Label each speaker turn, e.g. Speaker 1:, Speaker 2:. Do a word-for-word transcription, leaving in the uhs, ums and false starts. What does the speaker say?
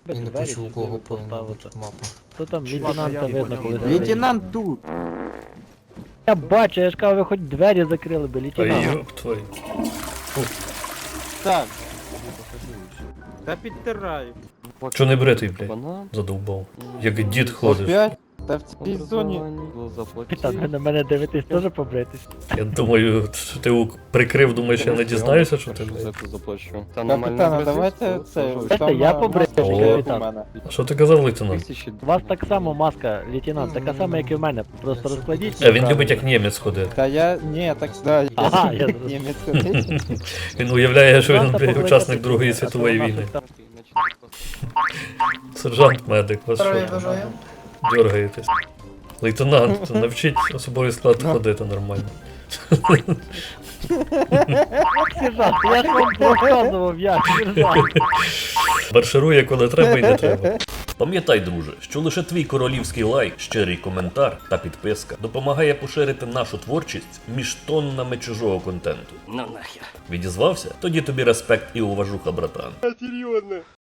Speaker 1: І не
Speaker 2: Двері
Speaker 1: почув, у
Speaker 2: чи
Speaker 1: кого
Speaker 2: ви
Speaker 1: повинна
Speaker 2: поставите?
Speaker 1: бути мапа.
Speaker 2: То там
Speaker 3: Чувак,
Speaker 2: лейтенанта
Speaker 3: а я
Speaker 2: видно,
Speaker 3: не
Speaker 2: коли
Speaker 3: понял.
Speaker 2: двері.
Speaker 4: Лейтенант тут!
Speaker 2: Я бачу, я ж кажу, ви хоч двері закрили би,
Speaker 5: Ай,
Speaker 2: лейтенант.
Speaker 5: ёб твою.
Speaker 4: Так. Та підтираю.
Speaker 5: Чо не бретий, блядь?
Speaker 3: Банан.
Speaker 5: Задовбав. Як дід ходиш.
Speaker 4: Опять? Та в цій зоні.
Speaker 2: Капітан, ви на мене дивитесь, теж побритись.
Speaker 5: Я думаю, що ти його прикрив, думаєш, я не дізнаюся, що ти,
Speaker 3: За
Speaker 5: блядь.
Speaker 3: це заплачу. Та
Speaker 4: Капітана,
Speaker 3: нормально
Speaker 4: давайте це.
Speaker 2: Знаєте,
Speaker 4: там
Speaker 2: я
Speaker 4: на-
Speaker 2: побрив,
Speaker 4: маска є
Speaker 2: капітан.
Speaker 4: у мене.
Speaker 5: А що ти казав, лейтенант?
Speaker 3: Тисячі
Speaker 2: У вас так само маска, лейтенант, така сама, як і в мене. Просто розкладіть.
Speaker 5: А він любить як німець ходити.
Speaker 4: Та я, ні, так, да, я
Speaker 2: Ага, я зрозумів.
Speaker 4: німець ходить.
Speaker 5: Він уявляє, що він,
Speaker 2: Просто
Speaker 5: блядь,
Speaker 2: покликати
Speaker 5: учасник
Speaker 2: туди,
Speaker 5: Другої
Speaker 2: а то
Speaker 5: світової
Speaker 2: вона
Speaker 5: війни.
Speaker 2: щось там-
Speaker 5: Сержант медик, вас
Speaker 1: Здоров'я
Speaker 5: що?
Speaker 1: бажаю.
Speaker 5: Дергаєтесь. Лейтенант, навчіть особовий склад ходити нормально.
Speaker 2: Сержант, я ж вам розказував, як, сержант.
Speaker 5: Марширує, коли треба і не треба. Пам'ятай, друже, що лише твій королівський лайк, щирий коментар та підписка допомагає поширити нашу творчість між тоннами чужого контенту. Ну нахер. Відізвався? Тоді тобі респект і уважуха, братан.
Speaker 4: Серйозно.